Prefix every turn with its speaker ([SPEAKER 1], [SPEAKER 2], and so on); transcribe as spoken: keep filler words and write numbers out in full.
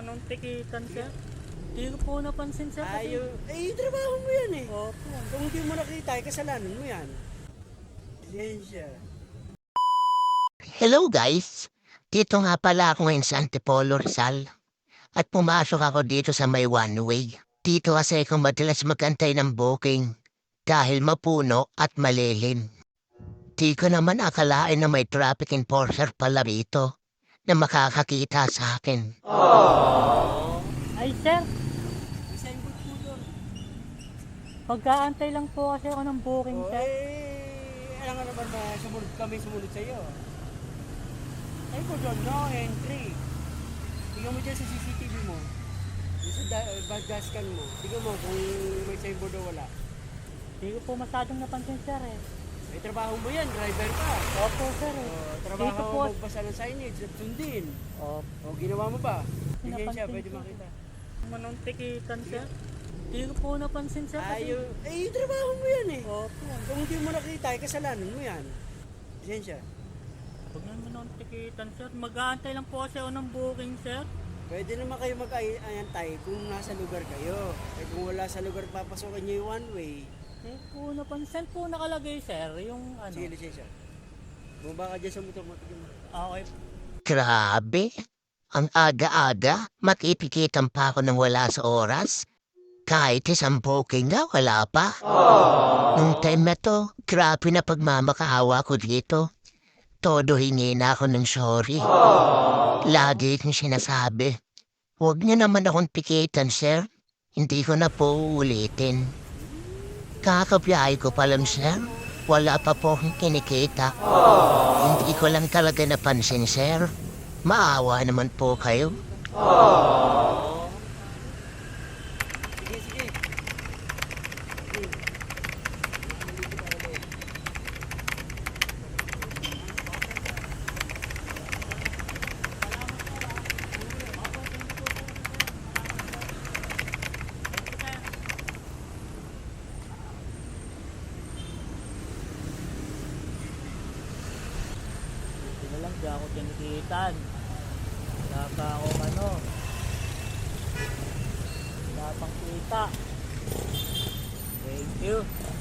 [SPEAKER 1] Anong tikitan, sir? Hindi ko po napansin, sir. Kasi...
[SPEAKER 2] Ayaw, eh, trabaho mo yan eh.
[SPEAKER 1] Opo.
[SPEAKER 2] Kung hindi mo nakita, eh, kasalanan mo yan. Lisensya.
[SPEAKER 3] Hello guys! Dito nga pala ako ngayon sa Antipolo Rizal. At pumasok ako dito sa may one way. Dito kasi ako madalas magantay ng booking. Dahil mapuno at malilim. Di ko naman akalain na may traffic enforcer pala rito. Na makakakita sa akin.
[SPEAKER 1] Ay, sir.
[SPEAKER 2] Signboard po doon.
[SPEAKER 1] Pagkaantay lang po kasi ako ng booking,
[SPEAKER 2] O,
[SPEAKER 1] sir.
[SPEAKER 2] eh, alam nga naman na sumunod kami sumunod sa'yo. Ay po doon, no entry. Tingnan mo dyan sa C C T V mo. Yung sa da- bag dashcam mo. Tingnan mo kung may signboard o wala.
[SPEAKER 1] Hindi ko po masyadong napansin, sir, eh.
[SPEAKER 2] May trabaho mo yan, driver ka.
[SPEAKER 1] Opo, sir, eh.
[SPEAKER 2] O,
[SPEAKER 1] Dito
[SPEAKER 2] trabaho
[SPEAKER 1] po.
[SPEAKER 2] mo magbasa ng signage at sundin.
[SPEAKER 1] Opo.
[SPEAKER 2] O, ginawa mo ba? Lisensya,
[SPEAKER 1] Napansin
[SPEAKER 2] pwede
[SPEAKER 1] ko.
[SPEAKER 2] makita.
[SPEAKER 1] Anong tikitan, sir? Hindi ko po napansin, sir. Kasi...
[SPEAKER 2] Ayaw, eh, trabaho mo yan eh.
[SPEAKER 1] Opo.
[SPEAKER 2] Kung hindi mo nakita, eh, kasalanan mo yan. Lisensya.
[SPEAKER 1] Huwag naman anong tikitan, sir. Mag-aantay lang po kasi ako ng booking, sir.
[SPEAKER 2] Pwede naman kayo mag-aantay kung nasa lugar kayo. Eh kung wala sa lugar, papasokin nyo yung one way.
[SPEAKER 1] Eh po napansin po nakalagay, sir. Yung ano.
[SPEAKER 2] Sige, lisensya. Bumaba ka dyan sa motor mo. tignan mo.
[SPEAKER 1] Okay.
[SPEAKER 3] Grabe! Ang aga-aga, makipikitan pa ako ng wala sa oras. Kahit isang booking nga, wala pa. Nung time na to, grabe na pagmamakaawa ko dito. Todo hingi na ako ng sorry. Lagi kong sinasabi, huwag niyo naman akong pikitan, sir. Hindi ko na po uulitin. Kakabiyahe ko pa lang, sir. Wala pa po akong kinikita. Hindi ko lang talaga napansin, sir. Maawa naman po kayo.
[SPEAKER 2] Sige, sige.
[SPEAKER 1] Hindi na lang, di ako tinikitan. Wala pa akong ano. Wala pang kita. Thank you.